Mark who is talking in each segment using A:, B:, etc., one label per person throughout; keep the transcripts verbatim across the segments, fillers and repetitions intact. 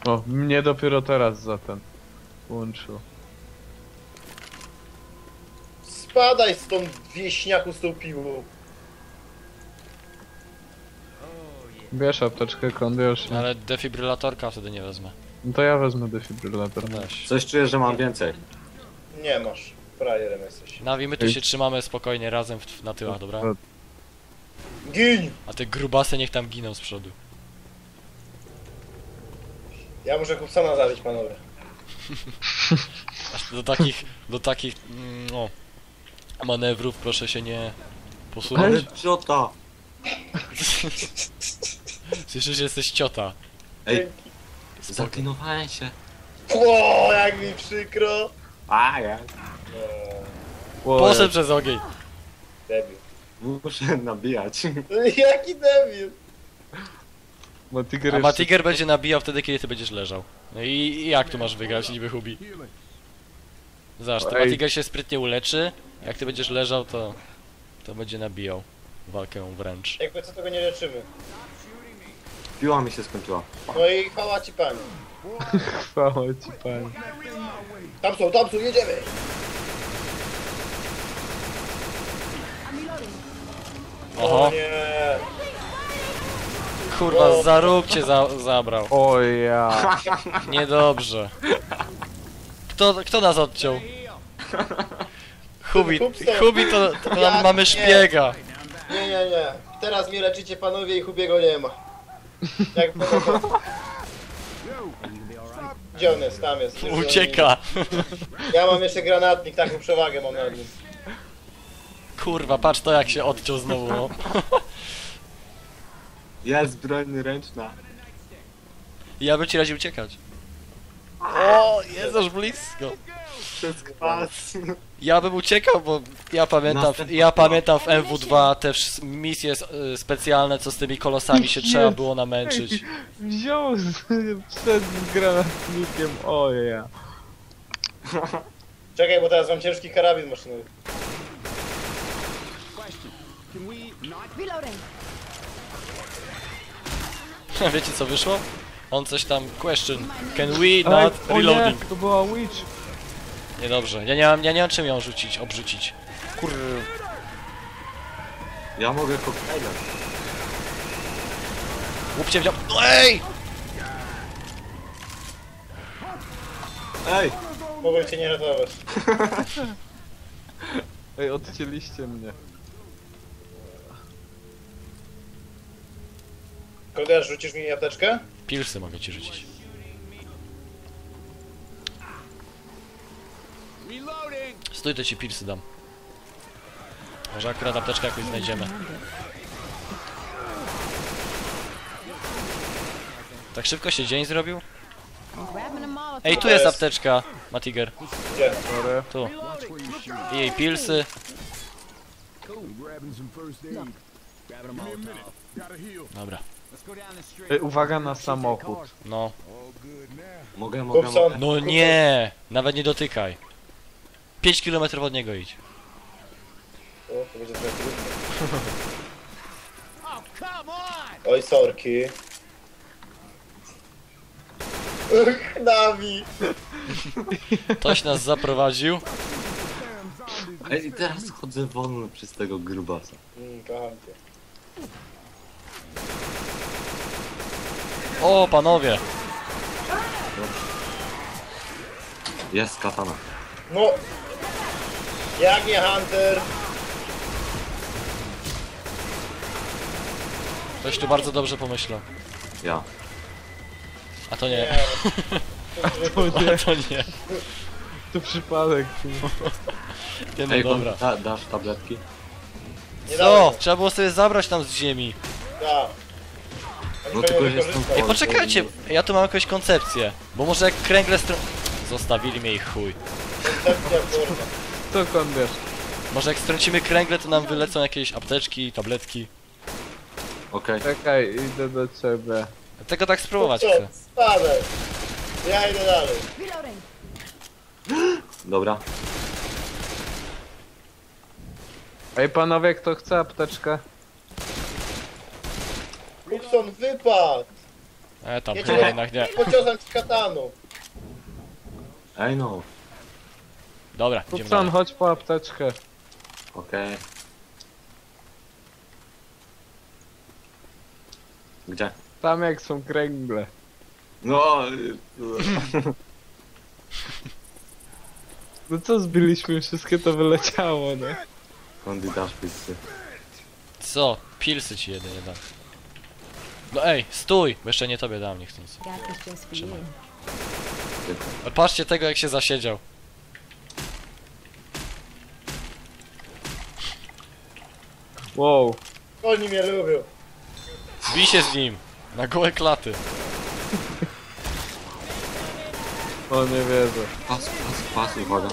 A: O, mnie dopiero teraz za ten łączył.
B: Spadaj stąd, wieśniaku, z tą piłą.
A: Bierz apteczkę, kondiusz.
C: No ale defibrylatorka wtedy nie wezmę.
A: No to ja wezmę defibrylator.
C: Weź.
D: Coś czuję, że mam więcej.
B: Nie masz. Frajerem jesteś.
C: Nawi, my tu
A: Ej.
C: się trzymamy spokojnie razem w, na tyłach, dobra?
B: Gin!
C: A te grubasy niech tam giną z przodu.
B: Ja muszę Kupsona zabić, panowie.
C: Aż do takich, do takich, mm, no, manewrów proszę się nie posunąć.
D: Ale ciota!
C: Słyszysz, że jesteś ciota.
D: Ej, zaklinowałem się.
B: Ło, jak mi przykro.
D: A ja.
B: Eee,
C: Poszedł przez ogień.
B: debil.
D: Muszę nabijać.
B: Jaki debil.
A: Matiger
C: A
A: jeszcze-
C: Matiger będzie nabijał wtedy, kiedy ty będziesz leżał. No i, i jak tu masz wygrać, niby Hubi? Zobacz, to
A: Ej.
C: Matiger się sprytnie uleczy, jak ty będziesz leżał, to to będzie nabijał walkę wręcz.
B: Jakby co, tego nie leczymy.
D: Piła mi się skończyła.
B: No i chwała ci, pani.
A: Chwała ci, panie.
B: Tam są, tam są, jedziemy.
C: Oho,
B: O nie.
C: kurwa, za róg cię za, zabrał.
A: O ja.
C: Niedobrze. Kto, kto nas odciął? Hubi, Hubi to, to
B: Ja
C: nam mamy
B: nie.
C: szpiega.
B: Nie, nie, nie. Teraz mnie leczycie, panowie, i Hubiego nie ma. Jak panowie... Gdzie on jest? Tam jest. Już
C: Ucieka.
B: Ja mam jeszcze granatnik, taką przewagę mam nad nim.
C: Kurwa, patrz to jak się odciął znowu, no.
D: Jest broń ręczna.
C: Ja bym ci radził uciekać. O, jest aż blisko.
D: Przez kwas.
C: Ja bym uciekał, bo ja pamiętam,
D: Następna
C: ja
D: próba.
C: pamiętam w M W dwa te wsz- misje y, specjalne, co z tymi kolosami się trzeba było namęczyć.
A: Wziął z, przed z granatnikiem, o ja.
B: Czekaj, bo teraz mam ciężki karabin maszynowy.
E: Reloading.
C: Wiecie co wyszło? On coś tam question. Can we
A: Ej,
C: not
A: o nie,
C: reloading?
A: to była witch.
C: Niedobrze. Ja nie mam, ja nie mam czym ją rzucić, obrzucić. Kur...
D: Ja mogę koktajlem.
C: Łupcie wziął. No ej!
D: Ej!
B: Mogłem cię nie ratować.
A: Ej, odcięliście mnie.
B: Kolega, rzucisz mi apteczkę?
C: Pilsy mogę ci rzucić. Stój, to ci pilsy dam. Może akurat apteczkę jakoś znajdziemy. Tak szybko się dzień zrobił?
E: Grabbing a Molotov.
C: Ej, tu jest apteczka, Matiger.
B: Gdzie?
A: Sorry.
C: Tu. I jej pilsy. Dobra.
A: Ej, uwaga na samochód.
C: No.
D: Mogę, mogę,
B: Kupson.
D: mogę.
C: No nie! Nawet nie dotykaj. pięć kilometrów od niego idź.
B: O, to będzie trochę trudno. Oj, sorki. Ach, Nawi.
C: Ktoś nas zaprowadził.
D: Ej, i teraz chodzę wolno przez tego grubasa.
B: Mm, kocham cię.
C: O, panowie!
D: Jest katana.
B: No. Jak nie Hunter?
C: Ktoś tu bardzo dobrze pomyślał.
D: Ja.
C: A to
B: Nie.
C: nie.
A: To nie,
C: A to nie.
A: to przypadek.
C: Nie no
D: Ej,
C: dobra.
D: da, dasz tabletki?
B: Nie
C: Co?
B: dałem.
C: Trzeba było sobie zabrać tam z ziemi.
B: Da. Oni
D: No
B: pewnie
D: tylko, że
B: wykorzystał.
D: jestem-
C: Ej, poczekajcie, ja tu mam jakąś koncepcję. Bo może jak kręgle str... Zostawili mnie ich chuj.
B: Koncepcja, kurwa.
A: Co kondiusz?
C: Może jak strącimy kręgle, to nam wylecą jakieś apteczki, tabletki.
D: Okej.
A: Czekaj, idę do ciebie.
C: Tego tak spróbować
B: Co?
C: chcę.
B: Spadaj. Ja idę dalej.
E: Reloading.
D: Dobra.
A: Ej, panowie, kto chce apteczkę?
B: Kupson, wypadł.
C: E tam,
B: Nie
C: chyba
B: cię
C: jednak nie.
B: pociosam ci kataną.
D: Ej no,
C: Dobra, idziemy
A: Kupson,
C: dalej.
A: chodź po apteczkę.
D: okej. Gdzie?
A: Tam jak są kręgle.
D: No, y,
A: No co zbiliśmy, wszystkie to wyleciało, nie?
D: skąd dasz pizzy?
C: Co? Pilsy ci jedynie dam. No ej, stój! Bo jeszcze nie tobie dam, nie chcąc.
E: Got this just for
C: Trzymaj.
E: you.
C: Ale patrzcie tego, jak się zasiedział.
A: Wow.
B: Oni mnie lubią.
C: Bij się z nim! Na gołe klaty.
A: O, nie wierzę.
D: Pas, pas, pas, uwaga.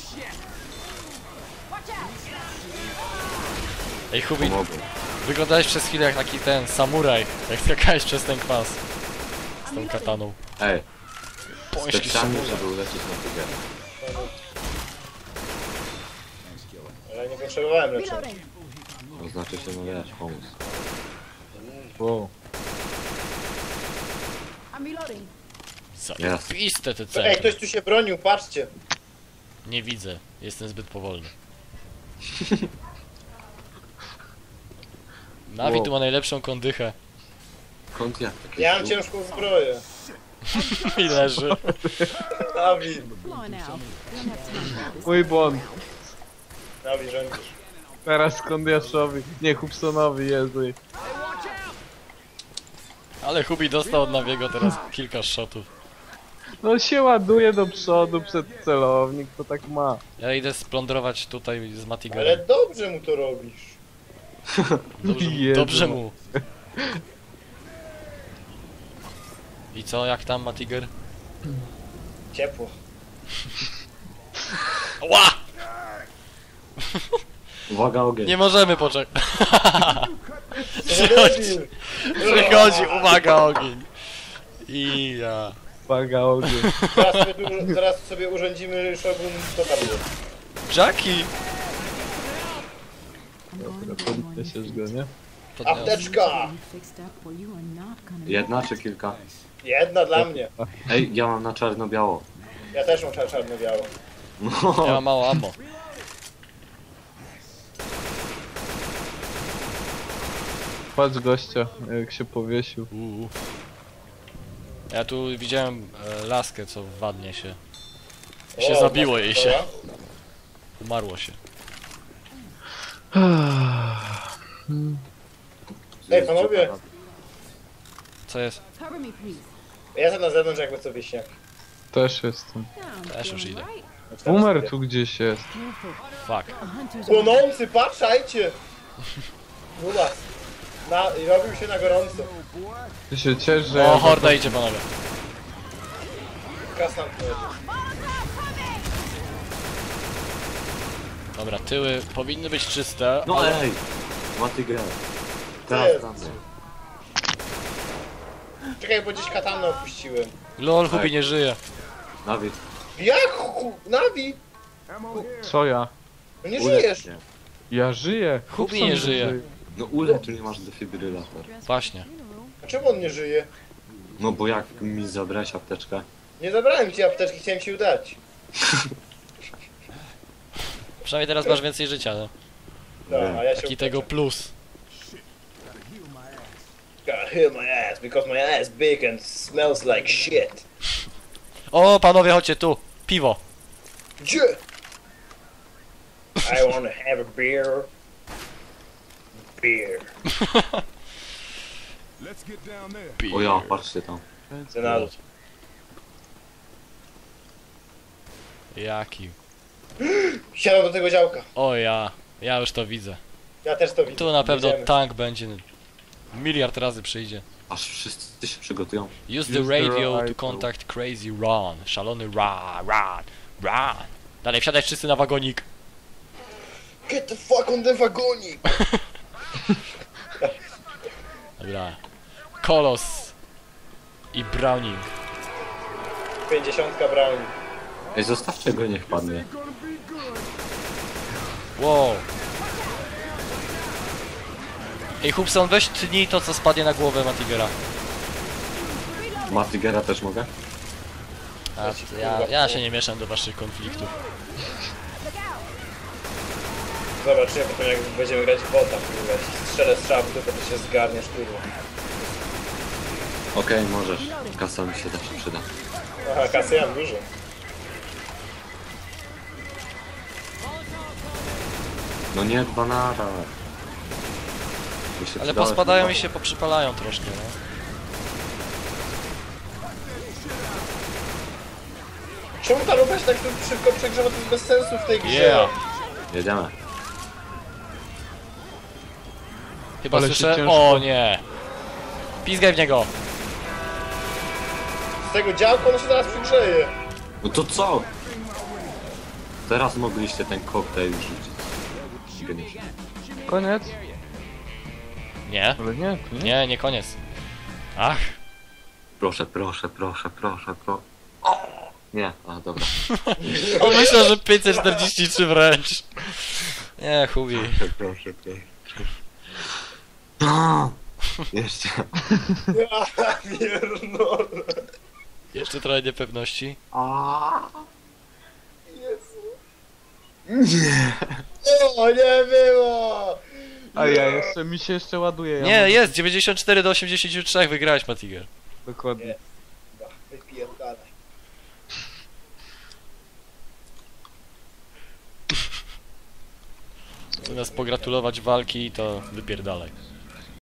C: Ej, Hubi,
D: Pomogłem.
C: wyglądałeś przez chwilę jak taki ten samuraj, jak skakałeś przez ten kwas. Z tą kataną.
D: Ej,
C: Poński
D: specjalnie,
C: samuraj.
D: żeby ulecieć na tygę.
B: Ale nie potrzebowałem leczenia.
E: Reloading.
D: To znaczy się, no wiesz, pomóc.
A: Wow.
E: I'm reloading.
C: Zajebiste te
B: Ej,
C: centrum.
B: ktoś tu się bronił, patrzcie.
C: Nie widzę, jestem zbyt powolny. Navi
A: Wow.
C: tu ma najlepszą kondychę.
D: Skąd ja?
B: Ja mam ciężką zbroję.
C: I leży.
B: Nawi,
E: Come on now. We don't have time for this.
A: Mój błąd.
B: Nawi rządzisz.
A: Teraz Kondiaszowi. Nie, Hubsonowi, Jezu.
C: Ale Hubi dostał od Naviego teraz kilka shotów.
A: No się ładuje do przodu przed celownik, to tak ma.
C: Ja idę splądrować tutaj z
B: Ale
C: Matigerem.
B: dobrze mu to robisz.
C: Dobrze,
A: Jezu.
C: dobrze mu. I co, jak tam Matiger?
B: Ciepło.
C: Ła!
D: Uwaga, ogień.
C: Nie możemy poczekać.
B: Co
C: Przychodzi, przychodzi, uwaga, ogień. I ja.
A: Paga ogień.
B: Teraz sobie, tu, teraz sobie urządzimy Shogun to tam jest.
C: Jackie!
E: I'm going
A: Dobra,
E: to do one.
A: podniesiesz go, nie?
C: Podniosę.
B: Apteczka!
E: You fixed up or you are not gonna
D: Jedna czy kilka?
B: Jedna dla mnie.
D: Ej, ja mam na czarno-biało.
B: Ja też mam czar- czarno-biało.
D: No,
C: Ja mam mało ammo.
A: Patrz gościa, jak się powiesił.
C: Uuu. Ja tu widziałem e, laskę, co wadnie się. Się
B: O,
C: zabiło
B: masz
C: jej
B: to,
C: się.
B: ja?
C: Umarło się.
B: Ej, panowie.
C: Co jest?
E: cover me, please.
B: Ja jestem na zewnątrz jakby co wieśniak.
A: Też jestem.
E: Now I'm
C: Też już
E: feeling
C: idę.
E: right.
A: Boomer tu gdzieś jest.
E: Careful.
C: Fuck.
E: A hunter's
B: Płonący, patrzajcie! Nula. Na, i robił się na gorąco.
A: Ty się ciesz, że...
C: O,
A: ja
C: horda idzie, panowie.
B: Kasnam
C: Dobra, tyły powinny być czyste.
D: no
C: ale...
D: ej! Ma tygę.
B: jest?
D: Teraz tam.
B: Czekaj, bo gdzieś katanę opuściłem.
C: Lol, Hubi nie żyje.
D: Dawid,
B: Jak? chu- Nawi?
A: Co ja?
B: No nie
D: ulecz
B: żyjesz.
D: mnie.
A: Ja żyję.
C: Hubi
A: Hubson
C: nie żyje.
D: No ulecz, tu nie masz defibrylator.
C: Właśnie.
B: A czemu on nie żyje?
D: No bo jak mi zabrałeś apteczkę?
B: Nie zabrałem ci apteczki, chciałem ci ją dać.
C: Przynajmniej teraz masz więcej życia, no.
B: Tak, a ja się
C: Taki tego plus.
B: Gotta heal my ass because my ass big and smells like shit.
C: O, panowie, chodźcie tu. Piwo.
B: Gdzie? I wanna have a beer. Beer.
D: O ja, patrzcie tam.
B: Zenadu.
C: Jaki.
B: Siadam do tego działka.
C: O ja. Ja już to widzę.
B: Ja też to widzę.
C: Tu na pewno
B: Jedziemy.
C: tank będzie. Miliard razy przyjdzie.
D: Aż wszyscy się przygotują.
C: Use the
A: Use the
C: radio to
A: radio.
C: contact Crazy Ron. Szalony Ra, Ron, Ron. Dalej, wsiadaj wszyscy na wagonik.
B: Get the fuck on the wagonik!
C: Dobra. Kolos. I Browning.
B: Pięćdziesiątka brownie.
D: Ej, zostawcie go, niech padnie.
C: Wow. Ej, Hubson, weź tnij to, co spadnie na głowę Matigera.
D: Matigera też mogę?
C: A, ja, ja się nie mieszam do waszych konfliktów.
B: Zobaczymy potem jak będziemy grać w bota, kurwa. Jeśli strzelę strzał w dupę, to się zgarniesz, kurwa.
D: Okej, możesz. Kasa mi się zawsze przyda.
B: Aha, kasy ja mam dużo.
D: No nie, dwa naraz. Mi się
C: Ale
D: przydały
C: pospadają
D: chyba.
C: i się poprzypalają troszkę, no.
B: Czemu ta lupa się tak tu szybko przegrzewa? To jest bez sensu w tej grze.
C: Yeah.
D: Jedziemy.
C: Chyba
A: Ale się
C: słyszę...
A: ciężko-
C: O nie! Pizgaj w niego!
B: Z tego działka on się zaraz przegrzeje.
D: No to co? Teraz mogliście ten koktajl rzucić. Geniusz.
A: Koniec?
C: Nie?
A: Ale nie, to nie.
C: Nie, nie koniec. Ach!
D: Proszę, proszę, proszę, proszę, proszę. O! Nie, a dobra.
C: On myślał, że pięćset czterdzieści trzy wręcz. Nie, chubi.
D: Proszę, proszę, proszę. No! Jeszcze.
B: Ja pierdolę.
C: Jeszcze trochę niepewności.
D: Nie!
B: O, nie było!
A: A ja jeszcze, mi się jeszcze ładuje. Ja
C: Nie,
A: mam-
C: jest! dziewięćdziesiąt cztery do osiemdziesięciu trzech wygrałeś, Matiger.
A: Dokładnie.
B: Chyba, wypierdalaj.
C: Zamiast pogratulować walki, to wypierdalaj.